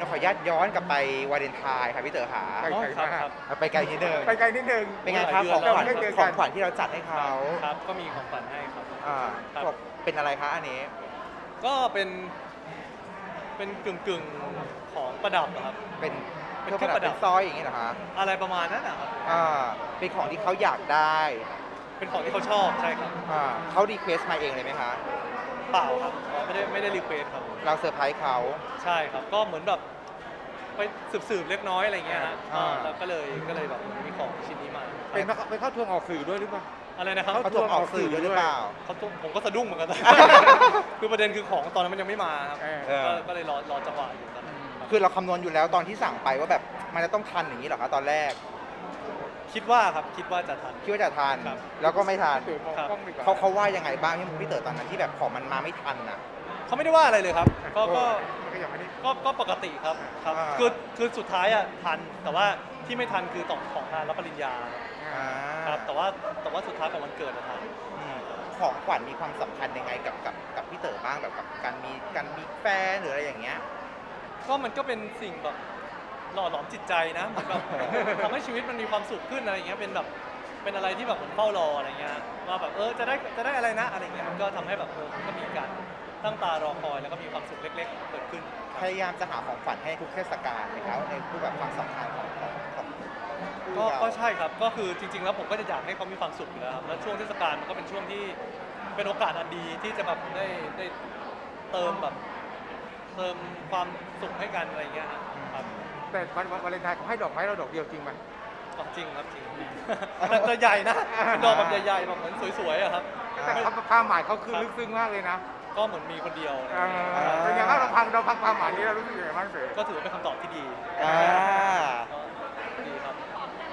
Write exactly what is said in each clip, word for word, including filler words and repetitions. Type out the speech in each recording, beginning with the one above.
เราขออนุญาตย้อนกลับไปวาเลนไทน์ค่ะพี่เต๋อขาไปไกลมากเอาไปไกลนิดนึงไปไกลนิดนึงเป็นไงครับของขวัญเราไม่ได้เจอขกัอน งขวัญที่เราจัดให้เขาครับก็มีของขวัญให้ครับอ่าครับบอกเป็นอะไรคะอันนี้ก็เป็นเป็นกึ่งกึ่งๆของประดับอะครับเป็นเป็นเครื่องเครื่ปองระประดัดับบเป็นสร้อยอย่างนี้เหรอคะอะไรประมาณนั้นนะครับอ่าเป็นของที่เขาอยากได้เป็นของที่เขาชอบใช่ครับอ่าเขารีเควสต์มาเองเลยไหมคะเปล่าครับไม่ได้ไม่ได้รีเควสครับเราเซอร์ไพรส์เขาใช่ครับก็เหมือนแบบไปสืบๆเล็กน้อยอะไรเงี้ยฮะอ่าแล้วก็เลยก็เลยแบบมีของชิ้นนี้มาเป็นมาไปเข้าทวงออกสื่อด้วยหรือเปล่าอะไรนะครับเขาถูกออกสื่อด้วยหรือเปล่าเขาต้องผมก็สะดุ้งเหมือนกัน คือประเด็นคือของตอนนั้นมันยังไม่มาครับเออเออก็ก็เลยรอรอจังหวะอยู่ตอนนั้นคือเราคำนวณอยู่แล้วตอนที่สั่งไปว่าแบบมันจะต้องทันอย่างนี้เหรอคะตอนแรกคิดว่าครับคิดว่าจะทันคิดว่าจะทันครับแล้วก็ไม่ทันสื่อมองกล้องดีกว่าเขาเขาว่ายังไงบ้างที่พี่เต๋อตอนนั้นที่แบบของมันมาไม่ทันอ่ะเขาไม่ได้ว่าอะไรเลยครับ ก็ก็มันก็ยังไม่ได้ก็ก็ปกติครับครับอ่าคือคือสุดท้ายอ่ะทันแต่ว่าที่ไม่ทันคือต่อของงานรับปริญญาอ่าครับแต่ว่าแต่ว่าสุดท้ายของวันเกิดอะทันอืมของขวัญมีความสำคัญยังไงกับกับกับพี่เต๋อบ้างแบบกับการมีการมีแฟนหรืออะไรอย่างเงี้ยก็มันก็เป็นสิ่งแบบหล่อหลอมจิตใจนะเหมือนแบบ ทำให้ชีวิตมันมีความสุขขึ้นอะไรอย่างเงี้ยเป็นแบบเป็นอะไรที่แบบเหมือนเฝ้ารออะไรเงี้ยว่าแบบเออจะได้จะได้อะไรนะอะไรเงี้ยมันก็ทำให้แบบเออมันก็มีการตั้งตารอคอยแล้วก็มีความสุขเล็กๆเกิดขึ้นพยายามจะหาของขวัญให้ทุกเทศกาลนะครับในรูปแบบความสำคัญของของของคู่ก็เราก็ใช่ครับก็คือจริงๆแล้วผมก็จะอยากให้เขามีความสุขอยู่แล้วครับแล้วช่วงเทศกาลมันก็เป็นช่วงที่เป็นโอกาสอันดีที่จะแบบได้ได้เติมแบบเติมความสุขให้กันอะไรเงี้ยฮะครับแต่วันวันวาเลนไทน์เขาให้ดอกไม้เราดอกเดียวจริงไหมอ๋อจริงครับจริง แต่จะใหญ่นะเป็นดอกแบบใหญ่ๆแบบเหมือนสวยๆอะครับแต่ความหมายเขาคือลึกซึ้งมากเลยนะก็เหมือนมีคนเดียวเออเป็นไงบ้างเราพังเราพังความหมายนี้เรารู้สึกยังไงบ้างเสยก็ถือว่าเป็นคำตอบที่ดีอ่าก็ดีครับ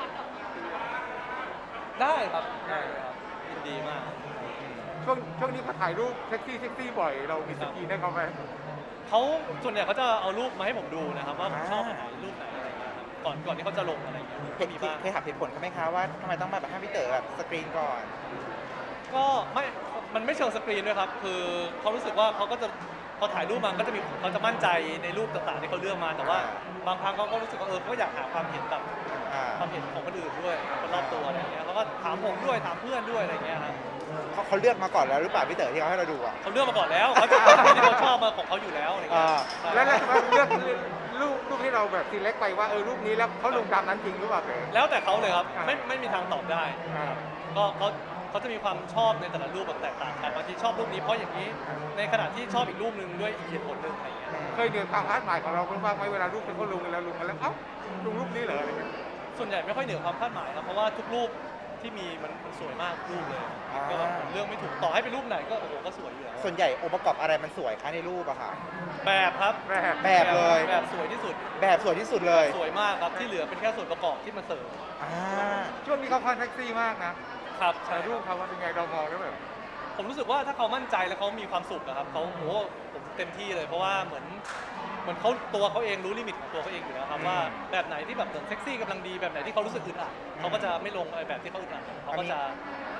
ได้ครับได้เลยครับยินดีมากช่วงช่วงนี้เขาถ่ายรูปเซ็กซี่เซ็กซี่บ่อยเรามีสกรีนให้เขาไหมเขาส่วนใหญ่เขาจะเอารูปมาให้ผมดูนะครับว่าผมชอบอันไหนรูปไหนอะไรเงี้ยครับก่อนก่อนที่เขาจะลงอะไรเงี้ยเคก็ยมีบ้างเคยถามเหตุผลเขาไหมคะว่าทำไมต้องมาแบบให้พี่เต๋อแบบสกรีนก่อนก็ไม่มันไม่เชิงสกรีนด้วยครับคือเขารู้สึกว่าเขาก็จะพอถ่ายรูปมาก็จะมีเขาจะมั่นใจในรูปต่างๆที่เขาเลือกมาแต่ว่าบางครั้งเขาก็รู้สึกว่าเออเขาก็อยากหาความเห็นแบบอ่าความเห็นของคนอื่นด้วยคนรอบตัวอะไรเงี้ยเขาก็ถามผมด้วยถามเพื่อนด้วยอะไรเงี้ยครับเขาเขาเลือกมาก่อนแล้วหรือเปล่าพี่เต๋อที่เขาให้เราดูอ่ะเขาเลือกมาก่อนแล้วเขาจะเอาสิ่งที่เขาชอบมาของเขาอยู่แล้วอะไรเงี้ยอ่าใช่แล้วแล้วเลือกรูปรูปที่เราแบบซีเล็กไปว่าเออรูปนี้แล้วเขาลงตามนั้นจริงหรือเปล่าเสยแล้วแต่เขาเลยครับอ่าไม่ไม่มีทางตอบได้อ่าก็เขาเขาจะมีความชอบในแต่ละรูปแบบแตกต่างกันบางทีชอบรูปนี้เพราะอย่างนี้ ในขณะที่ชอบอีกรูปหนึ่งด้วยอีกเหตุผลหนึ่งอะไรเงี้ยเคยเดือดความคาดหมายของเราบ้างไหมเวลารูปที่เขาลงกันแล้วลงมาแล้วเอ้าลงรูปนี้เหรออะไรเงี้ยส่วนใหญ่ไม่ค่อยเหนือความคาดหมายครับเพราะว่าทุกรูปที่มีมันมันสวยมากทุกรูปเลยอ่าก็เรื่องไม่ถูกต่อให้เป็นรูปไหนก็โอ้โหก็สวยอยู่แล้วส่วนใหญ่องค์ประกอบอะไรมันสวยคะในรูปอะค่ะแบบครับแบบแบบเลยแบบสวยที่สุดแบบสวยที่สุดเลยสวยมากครับที่เหลือเป็นแค่ส่วนประกอบที่มาเสริมอ่าช่วงนี้เขาคอนแท็กซี่มากนะครับใช่ถ่ายรูปเขาว่าเป็นไงเรามองแล้วแบบผมรู้สึกว่าถ้าเขามั่นใจแล้วเขามีความสุขอะครับเขาโอ้โหผมเต็มที่เลย เพราะว่าเหมือนเหมือนเขาตัวเขาเองรู้ลิมิตของตัวเขาเองอยู่แล้วครับว่าแบบไหนที่แบบเซ็กซี่กำลังดีแบบไหนที่เขารู้สึกอึดอัดเขาก็จะไม่ลงไอ้แบบที่เขาอึดอัดเขาก็จะ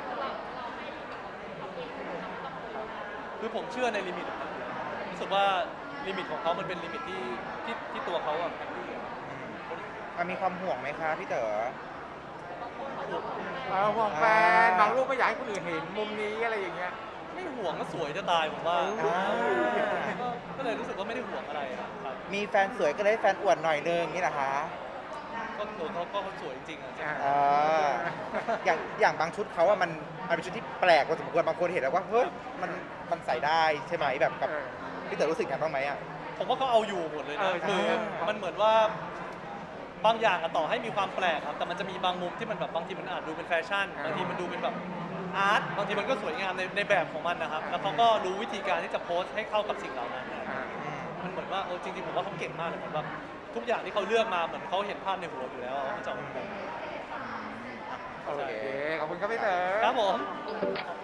คือผมเชื่อในลิมิตของเขาอยู่แล้วรู้สึกว่าลิมิตของเขามันเป็นลิมิตที่ที่ที่ตัวเขาอะแฮปปี้อะมันมีความห่วงไหมคะพี่เต๋อเออห่วงแฟนบางรูปไม่อยากให้คนอื่นเห็นมุมนี้อะไรอย่างเงี้ยไม่ห่วงก็สวยจะตายผมว่าอ่าก็ก็เลยรู้สึกว่าไม่ได้ห่วงอะไรอะครับมีแฟนสวยก็เลยให้แฟนอวดหน่อยนึงนี่นะคะก็เออเขาก็เขาสวยจริงๆอะใช่ไหมอ่าอย่างอย่างบางชุดเขาอะมันมันเป็นชุดที่แปลกพอสมควรบางคนเห็นแล้วว่าเฮ้ยมันมันใส่ได้ใช่ไหมแบบกับเออพี่เต๋อรู้สึกไงบ้างไหมอะผมว่าเขาเอาอยู่หมดเลยเอนะอใช่คือใช่มันเหมือนว่าบางอย่างอะต่อให้มีความแปลกครับแต่มันจะมีบางมุมที่มันแบบบางทีมันอาจดูเป็นแฟชั่นบางทีมันดูเป็นแบบอาร์ตบางทีมันก็สวยงามในในแบบของมันนะครับแล้วเขาก็รู้วิธีการที่จะโพสต์ให้เข้ากับสิ่งเหล่านั้นนะอ่าอืมมันเหมือนว่าเออจริงๆผมว่าเขาเก่งมากเลยเหมือนแบบทุกอย่างที่เขาเลือกมาเหมือนเขาเห็นภาพในหัวอยู่แล้วเขาจะออกมาแบบโอเคขอบคุณครับพี่เต๋อครับผม